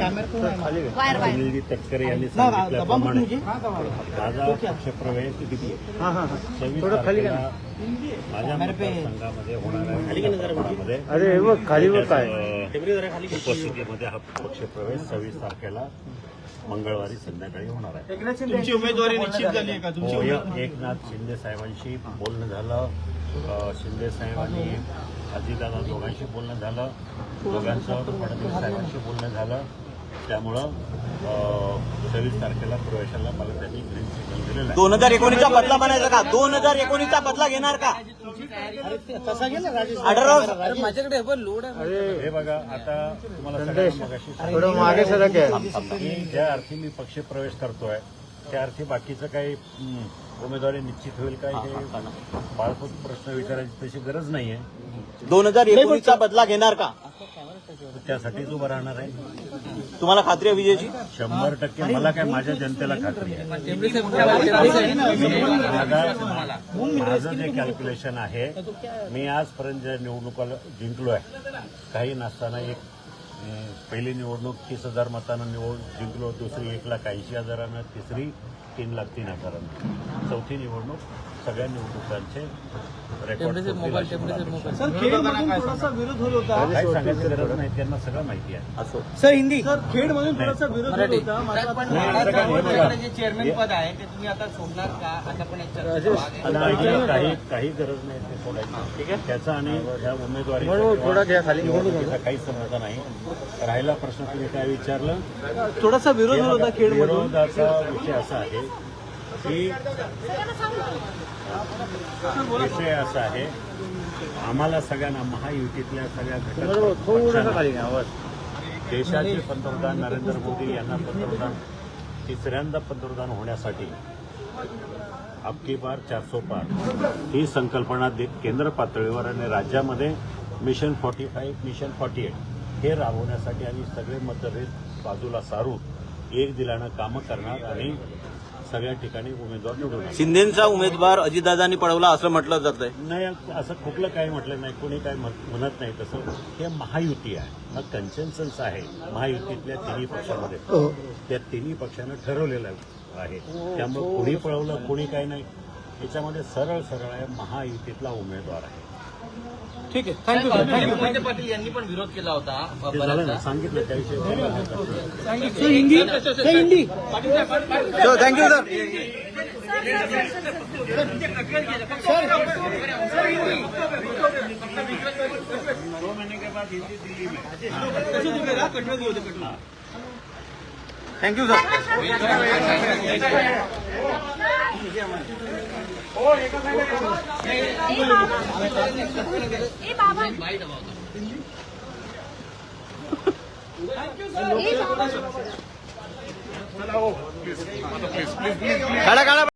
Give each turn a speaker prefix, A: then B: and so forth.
A: सुनीलजी तटकरे यांनी सांगितल्याप्रमाणे माझा पक्षप्रवेश 26 तारखेला माझ्या मतदारसंघामध्ये होणाऱ्या उपस्थितीमध्ये हा पक्षप्रवेश 26 तारखेला मंगळवारी संध्याकाळी होणार आहे.
B: तुमची उमेदवारी निश्चित झाली आहे का? तुमची
A: एकनाथ शिंदे साहेबांशी बोलणं झालं. शिंदे साहेब आणि अजितदादा दोघांशी बोलणं झालं. दोघांचं फडणवीस साहेबांशी बोलणं झालं. त्यामुळं 26 तारखेला प्रवेशाला मला त्यांनी ग्रीन सिग्नल दिलेला आहे.
C: 2019चा बदला बनायचा का? 2019चा बदला घेणार का? माझ्याकडे लोड आहे.
A: हे बघा, आता तुम्हाला सगळ्यांना मगाशी ज्या अर्थी मी पक्षप्रवेश करतोय त्या अर्थी बाकीचं काही उमेदवारी निश्चित होईल काय हे बाळपूत प्रश्न विचारायची तशी गरज नाहीये.
C: 2019चा बदला घेणार का?
A: त्यासाठीच उभं राहणार आहे.
C: तुम्हाला खात्री आहे विजयची?
A: 100% मला काय, माझ्या जनतेला खात्री आहे. माझं जे कॅल्क्युलेशन आहे, मी आजपर्यंत ज्या निवडणुका जिंकलोय, काही नसताना एक पहिली निवडणूक 30,000 मतांना जिंकलो, दुसरी 1,80,000, तिसरी 3,03,000, चौथी निवडणूक सगळ्या निवडणुकांचे रेकॉर्ड.
B: सर, खेडमधून थोडासा विरोध होत होता.
A: काही सांगायची गरज नाही, त्यांना सगळं माहिती आहे.
C: सर हिंदी.
B: सर, खेडमधून थोडासा विरोध होत होता.
D: चेअरमॅन पद आहे ते तुम्ही आता सोडणार का? आता पण एक चर्चा
A: काही गरज नाही ते सोडायची. त्याचा आणि ह्या उमेदवारीचा काही संबंध नाही. राहिला प्रश्न तुम्ही काय विचारलं?
B: थोडासा विरोध होत होता खेडमधून.
A: विरोधाचा विषय असा आहे की विषय असा आहे, आम्हाला सगळ्यांना महायुतीतल्या सगळ्या घटक देशाचे पंतप्रधान नरेंद्र मोदी यांना तिसऱ्यांदा पंतप्रधान होण्यासाठी अबकी बार 400 पार ही संकल्पना केंद्र पातळीवर आणि राज्यामध्ये मिशन 45, मिशन 48 हे राबवण्यासाठी आणि सगळे मतभेद बाजूला सारून एक दिलानं कामं करणार आणि सगळ्या ठिकाणी उमेदवार निवडून.
C: शिंदेचा उमेदवार अजितदादांनी पळवला असं म्हटलं जातंय.
A: नाही, असं कुठलं काही म्हटलं नाही, कोणी काही म्हणत नाही तसं. हे महायुती आहे, हा कन्सेन्सस आहे महायुतीतल्या तिन्ही पक्षामध्ये. त्या तिन्ही पक्षानं ठरवलेलं आहे. त्यामुळे कोणी पळवलं कोणी काही नाही, याच्यामध्ये सरळ सरळ आहे, महायुतीतला उमेदवार आहे.
B: ठीक आहे, थँक्यू.
D: मोहिते पाटील यांनी पण विरोध केला होता.
A: ते झालं ना, सांगितलं त्याविषयी.
B: Hindi.
C: Thank you sir. Thank you sir. काढा काढा.